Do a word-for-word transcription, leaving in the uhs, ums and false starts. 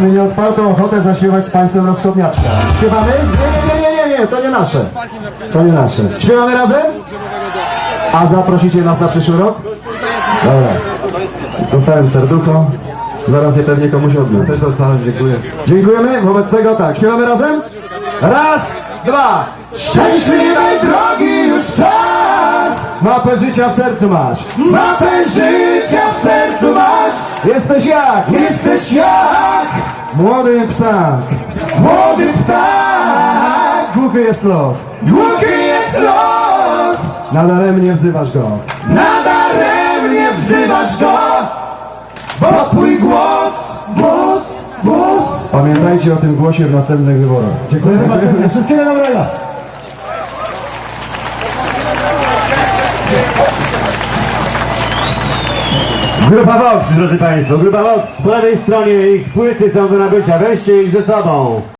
Mamy nieodpartą ochotę zaśpiewać z Państwem rozchodniaczka. Śpiewamy? Nie, nie, nie, nie, nie, nie, to nie nasze. To nie nasze. Śpiewamy razem? A zaprosicie nas na przyszły rok? Dobra. Dostałem serducho. Zaraz je pewnie komuś odmę. Też dostałem, dziękuję. Dziękujemy. Wobec tego tak, śpiewamy razem? Raz, dwa. Szczęśliwej drogi już czas! Mapę życia w sercu masz. Mapę życia w sercu masz. Jesteś jak? Jesteś jak? Młody ptak. Młody ptak. Głuchy jest los. Głuchy jest los. Nadaremnie wzywasz go. Nadaremnie wzywasz go. Bo twój głos, głos, głos. Pamiętajcie o tym głosie w następnych wyborach. Dziękuję. Zobaczymy. Wszystkiego dobrego. Grupa Vox, drodzy Państwo, Grupa Vox, po lewej stronie ich płyty są do nabycia, weźcie ich ze sobą.